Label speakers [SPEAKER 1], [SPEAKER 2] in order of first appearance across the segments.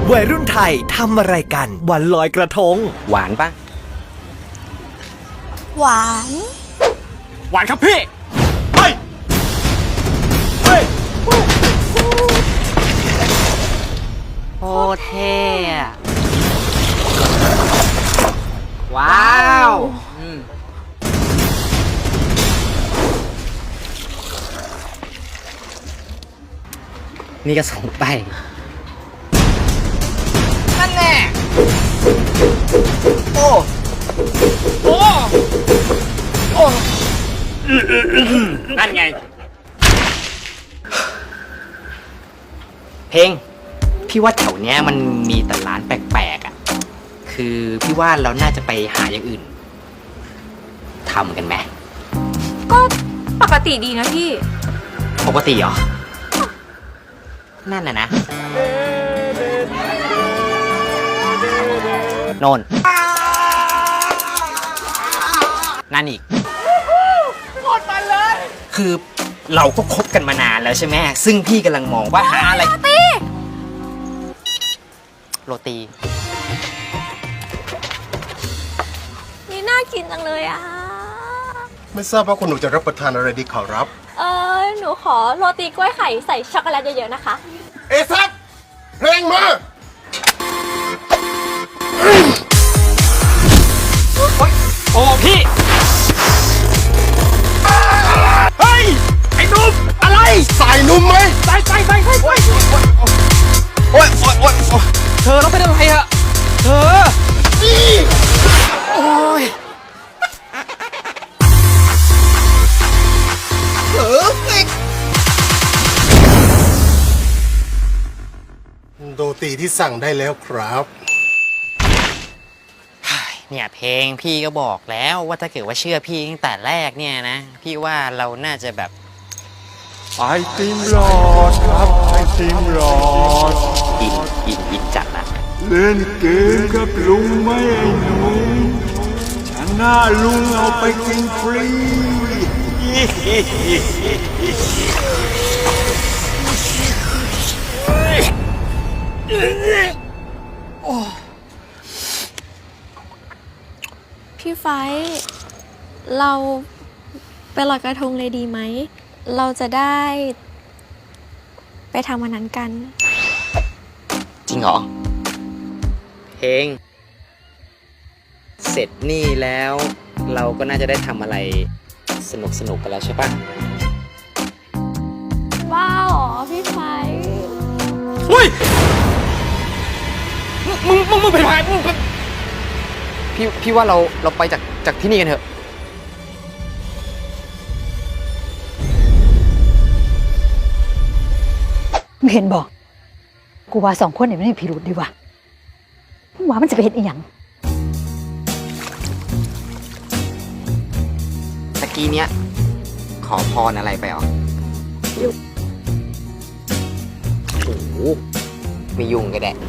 [SPEAKER 1] วัยรุ่นไทยทำอะไรกันวันลอยกระทง
[SPEAKER 2] หวานปะ
[SPEAKER 3] หวาน
[SPEAKER 4] หวานครับพี่เฮ้ยเฮ้ย
[SPEAKER 2] โคตรเท่อะว้าวนี่ก็ส่งไปนั่นแน่โอ้โอ้โอ้นั่นไงเพลงพี่ว่าแถวเนี้ยมันมีแต่ร้านแปลกๆอ่ะคือพี่ว่าเราน่าจะไปหาอย่างอื่นทำกันไหม
[SPEAKER 3] ก็ปกติดีนะพี่
[SPEAKER 2] ปกติเหรอนั่นนะโน่นนั่นอีกโคตรมันเลยคือเราก็คบกันมานานแล้วใช่ไหมซึ่งพี่กำลังมองว่าหาอะไรโรตี
[SPEAKER 3] นี่น่ากินจังเลยอ่ะ
[SPEAKER 5] ไม่ทราบว่าคุณหนูจะรับประทานอะไรดีขอรับ
[SPEAKER 3] หนูขอโรตีกล้วยไข่ใส่ช็อกโกแลตเยอะๆนะคะ
[SPEAKER 5] เอซับเพลงมา
[SPEAKER 4] โอ้พี่เฮ้ยไอ้นุ่มอะไร
[SPEAKER 5] ใส่นุ่มไหม
[SPEAKER 4] ใส่โอ้ยเธอเราเป็นอะไรอะเธอโอ้ย
[SPEAKER 5] โรตีที่สั่งได้แล้วครับ
[SPEAKER 2] เนี่ยเพลงพี่ก็บอกแล้วว่าถ้าเกิดว่าเชื่อพี่ตั้งแต่แรกเนี่ยนะพี่ว่าเราน่าจะแบบ
[SPEAKER 6] ไอติมหลอดครับไอติมหลอด
[SPEAKER 2] อินจัดนะ
[SPEAKER 6] เล่นเกมกับลุงไหมไอ้หนูชนะลุงเอาไปกินฟรี
[SPEAKER 3] พี่ไฟเราไปลอยกระทงเลยดีไหมเราจะได้ไปทำวันนั้นกัน
[SPEAKER 2] จริงเหรอเพลงเสร็จนี่แล้วเราก็น่าจะได้ทำอะไรสนุกกันแล้วใช่ปะ
[SPEAKER 3] ว้าวพี่ไฟ
[SPEAKER 4] เฮ้ยมึงเป็นใคร
[SPEAKER 2] พี่ว่าเราไปจากที่นี่กันเถอะ
[SPEAKER 7] มึงเห็นบอกกูว่าสองคนเนี่ยไม่มีพิรุธดีว่ะมึงว่ามันจะไปเห็นอีหยัง
[SPEAKER 2] ตะกี้เนี้ยขอพรอะไรไปหรอโอ้โหไม่ยุ่งก็ได้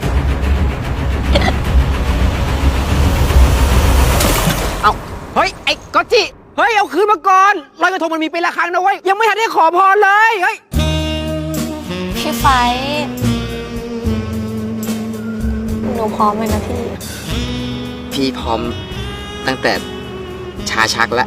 [SPEAKER 2] เอาเฮ้ยไอ้ก๊อตจิเฮ้ยเอาคืนมาก่อนลอยกระทงมันมีปีละครั้งนะเว้ยยังไม่ทันได้ขอพรเลยเฮ้ย
[SPEAKER 3] พี่ไฟหนูพร้อมเลยนะพี่
[SPEAKER 2] พร้อมตั้งแต่ชาชักแล้ว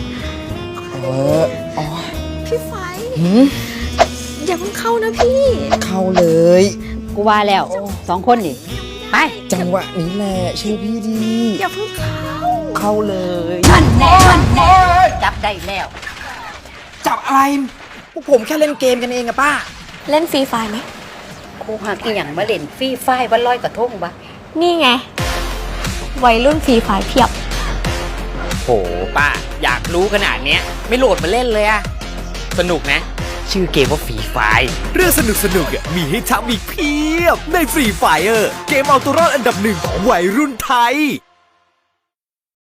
[SPEAKER 3] พี่ไฟอย่าเพิ่งเข้านะพี่
[SPEAKER 2] เข้าเลย
[SPEAKER 7] กูว่าแล้วสองคนนี่ไป
[SPEAKER 2] จังหวะนี้แหละเชื่อพี่ดี
[SPEAKER 3] อย่าเพิ่ง
[SPEAKER 2] เข้าเลย
[SPEAKER 7] นั่นแน่จับได้แล้ว
[SPEAKER 2] จับอะไรพวกผมแค่เล่นเกมกันเองอะป้า
[SPEAKER 3] เล่นฟรีไฟไหม
[SPEAKER 7] กูหาอีหยังมาเล่นฟรีไฟวันลอยกระทงปะ
[SPEAKER 3] นี่ไงวัยรุ่นฟรีไฟเพียบ
[SPEAKER 2] โหป้าอยากรู้ขนาดเนี้ยไม่โหลดมาเล่นเลยอะสนุกนะชื่อเกมว่าฟรีไฟ
[SPEAKER 1] เรื่องสนุกมีให้ทำอีกเพียบในฟรีไฟเกมเอาตัวรอดอันดับหนึ่งของวัยรุ่นไทย